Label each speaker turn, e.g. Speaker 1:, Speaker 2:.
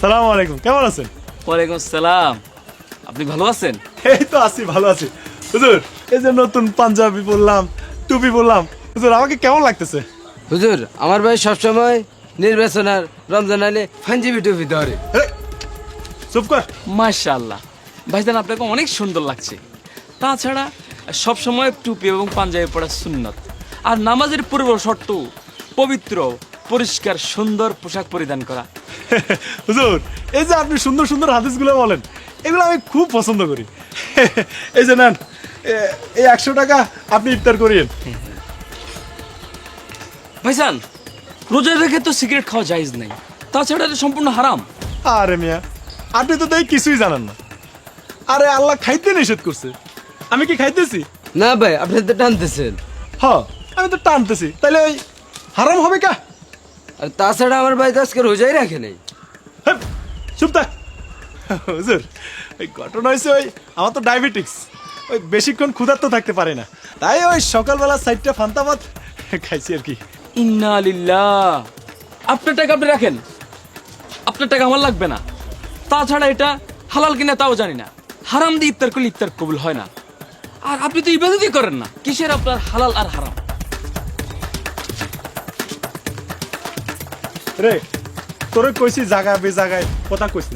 Speaker 1: সালাম আলাইকুম, কেমন আছেন?
Speaker 2: ওয়ালাইকুম আসসালাম। আপনি ভালো আছেন?
Speaker 1: এই তো আছি, ভালো আছি। হুজুর, এই যে নতুন পাঞ্জাবি পরলাম, টুপি পরলাম, হুজুর আমাকে কেমন লাগতেছে?
Speaker 3: হুজুর আমার ভাই সবসময় নির্বাচন আর রমজান আলে পাঞ্জাবি টুপি ধরে।
Speaker 1: এই, চুপ কর।
Speaker 2: মাশাআল্লাহ ভাইজান, আপনাকে অনেক সুন্দর লাগছে। তাছাড়া সবসময় টুপি এবং পাঞ্জাবি পরা সুন্নত, আর নামাজের পূর্ব শর্ত পবিত্র পরিষ্কার সুন্দর পোশাক পরিধান করা।
Speaker 1: হুজুর, এই যে আপনি সুন্দর সুন্দর হাদিসগুলো বলেন, এগুলো আমি খুব পছন্দ করি। এই যে নেন, এই 100 টাকা আপনি ইফতার করিয়েন।
Speaker 2: ভাইজান, রোজা রেখে তো সিগারেট খাওয়া জায়েজ নাই, তাছাড়া এটা সম্পূর্ণ হারাম।
Speaker 1: আরে মিয়া, আপনি তো তাই কিছুই জানেন না। আরে আল্লাহ খাইতে নিষেধ করছে, আমি কি খাইতেছি?
Speaker 3: না ভাই আপনি তো টানতেছেন।
Speaker 1: হ্যাঁ, আমি তো টানতেছি, তাইলে ওই হারাম হবে কা?
Speaker 3: আর তাছাড়া আমার ভাই তো আজকে রোজাই রাখে নাই।
Speaker 1: হ্যাঁ, চুপ থাক। হুজুর, ওই ঘটনা হয়েছে, ওই আমার তো ডায়াবেটিক্স, ওই বেশিক্ষণ ক্ষুধার্ত থাকতে পারে না, তাই ওই সকালবেলা 4টা ফান্তা ভাত খাইছি আর কি।
Speaker 2: ইন্না লিল্লাহ। আপনার টাকা আপনি রাখেন, আপনার টাকা আমার লাগবে না। তাছাড়া এটা হালাল কিনা তাও জানি না, হারাম দিয়ে ইফতার করলে ইফতার কবুল হয় না। আর আপনি তো ইবাদতই করেন না, কিসের আপনার হালাল আর হারাম?
Speaker 1: রে, তোরে কইছি জায়গা বে জায়গায় কথা কইস না।